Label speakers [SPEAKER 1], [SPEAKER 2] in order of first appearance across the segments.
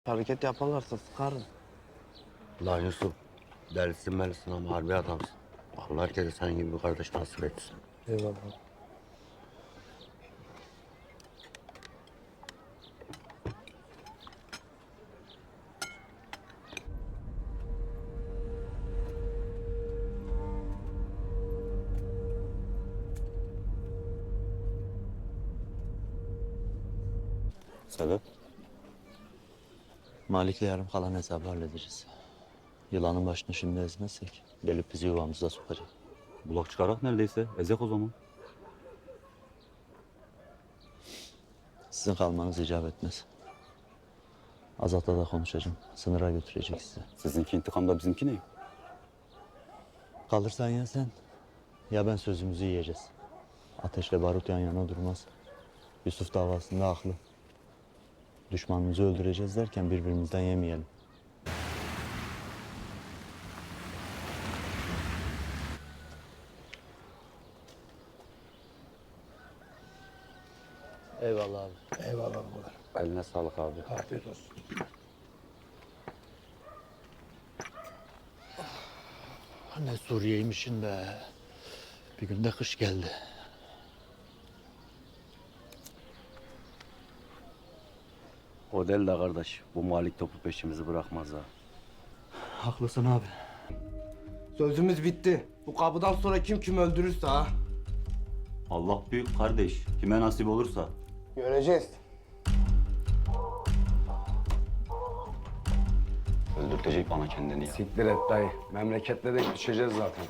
[SPEAKER 1] Hareket yaparlarsa sıkarım.
[SPEAKER 2] Lan Yusuf, delisin melisin ama harbi adamsın. Allah herkese senin gibi bir kardeş nasip etsin.
[SPEAKER 1] Eyvallah.
[SPEAKER 3] Sebep?
[SPEAKER 4] Malik'le yarım kalan hesabı halledeceğiz. Yılanın başını şimdi ezmezsek gelip bizi yuvamıza sokacak.
[SPEAKER 3] Bulak çıkarak neredeyse. Ezek o zaman.
[SPEAKER 4] Sizin kalmanız icap etmez. Azat'la da konuşacağım. Sınıra götürecek sizi.
[SPEAKER 3] Sizinki intikamda bizimki ne?
[SPEAKER 4] Kalırsan ya sen ya ben sözümüzü yiyeceğiz. Ateşle barut yan yana durmaz. Yusuf davasında haklı. Düşmanımızı öldüreceğiz derken birbirimizden yemeyelim. Eyvallah abi.
[SPEAKER 5] Eyvallah babalar.
[SPEAKER 3] Eline sağlık abi.
[SPEAKER 5] Afiyet olsun.
[SPEAKER 4] Ne Suriye'ymişin be. Bir günde kış geldi.
[SPEAKER 3] O değil de kardeş. Bu Malik topu peşimizi bırakmaz ha.
[SPEAKER 4] Haklısın abi.
[SPEAKER 1] Sözümüz bitti. Bu kapıdan sonra kim öldürürse ha.
[SPEAKER 3] Allah büyük kardeş. Kime nasip olursa.
[SPEAKER 1] Göreceğiz.
[SPEAKER 3] Öldürtecek bana kendini ya.
[SPEAKER 5] Siktir et dayı. Memleketle de düşeceğiz zaten.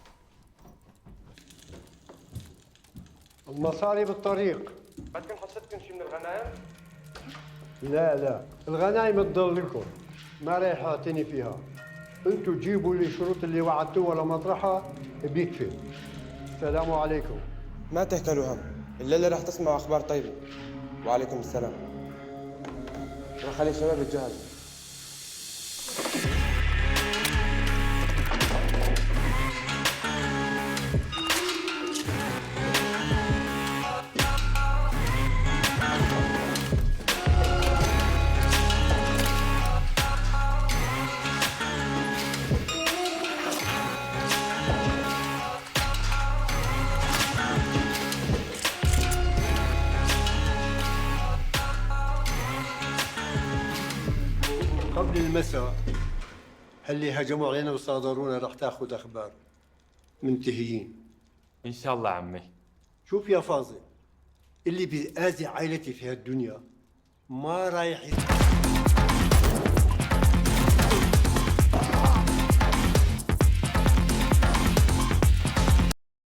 [SPEAKER 6] المصاري بالطريق.
[SPEAKER 7] بدكم حصتكم شي من الغنايم؟
[SPEAKER 6] لا لا، الغنايم تضل لكم، ما رايح اعتني فيها. انتوا جيبوا لي الشروط اللي وعدتوها لمطرحها بيكفي. السلام عليكم.
[SPEAKER 8] ما تهكلوا هم، الليلة راح تسمعوا أخبار طيبة. وعليكم السلام. روح خلي الشباب يتجهزوا.
[SPEAKER 6] قبل المساء اللي هجموا علينا وصادرونا راح تاخذ اخبار. منتهيين.
[SPEAKER 7] ان شاء الله عمي.
[SPEAKER 6] شوف يا فاضل، اللي بيأذي عائلتي في هالدنيا ما رايح